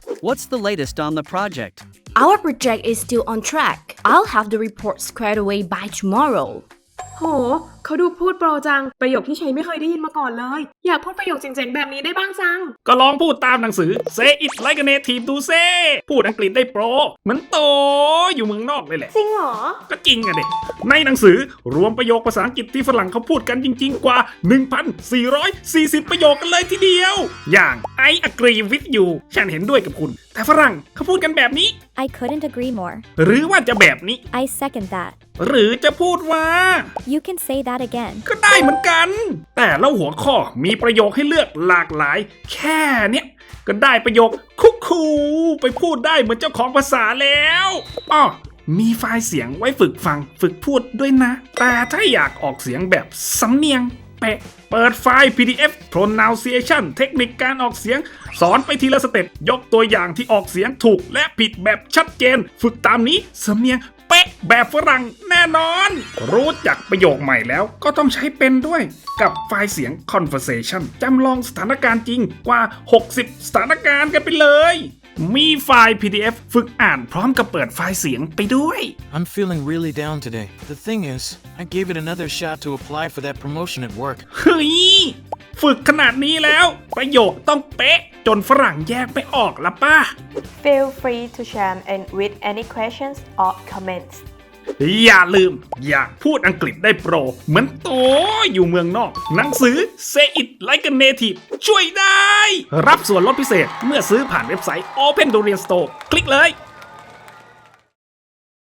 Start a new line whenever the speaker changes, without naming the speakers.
What's the latest on the project?
Our project is still on track. I'll have the report squared away by tomorrow.
โหเขาดูพูดโปรจังประโยคที่ชัยไม่เคยได้ยินมาก่อนเลยอยากพูดประโยคเจ๋งๆแบบนี้ได้บ้างจัง
ก็ลองพูดตามหนังสือ Say it like a native ดูเซ่พูดอังกฤษได้โปรเหมือนโตอยู่เมืองนอกเลยแหละ
จริงเหรอ
ก็จริงอะเด็กในหนังสือรวมประโยคภาษาอังกฤษที่ฝรั่งเขาพูดกันจริงๆกว่า 1,440 ประโยคกันเลยทีเดียวอย่าง I agree with you ฉันเห็นด้วยกับคุณแต่ฝรั่งเขาพูดกันแบบนี้
I couldn't agree more.
หรือว่าจะแบบนี้
I second that.
หรือจะพูดว่า
You can say that again.
ก็ได้เหมือนกันแต่แล้วหัวข้อมีประโยคให้เลือกหลากหลายแค่เนี้ยก็ได้ประโยคคุกคูไปพูดได้เหมือนเจ้าของภาษาแล้วอ้อมีไฟล์เสียงไว้ฝึกฟังฝึกพูดด้วยนะแต่ถ้าอยากออกเสียงแบบสำเนียงเป๊ะเปิดไฟล์ PDF pronunciation เทคนิคการออกเสียงสอนไปทีละสเต็ปยกตัวอย่างที่ออกเสียงถูกและผิดแบบชัดเจนฝึกตามนี้สำเนียงเป๊ะแบบฝรั่งแน่นอนรู้จักประโยคใหม่แล้วก็ต้องใช้เป็นด้วยกับไฟล์เสียง conversation จำลองสถานการณ์จริงกว่า60สถานการณ์กันไปเลยมีไฟล์ PDF ฝึกอ่านพร้อมกับเปิดไฟล์เสียงไปด้วย
I'm feeling really down today. The thing is, I gave it another shot to apply for that promotion at work.
เฮ้ยฝึกขนาดนี้แล้วประโยคต้องเป๊ะจนฝรั่งแยกไม่ออกละป้า
Feel free to chime in with any questions or comments.
อย่าลืมอยากพูดอังกฤษได้โปรเหมือนโตอยู่เมืองนอกหนังสือ Say it like a native ช่วยได้รับส่วนลดพิเศษเมื่อซื้อผ่านเว็บไซต์ Open Durian Store คลิกเลย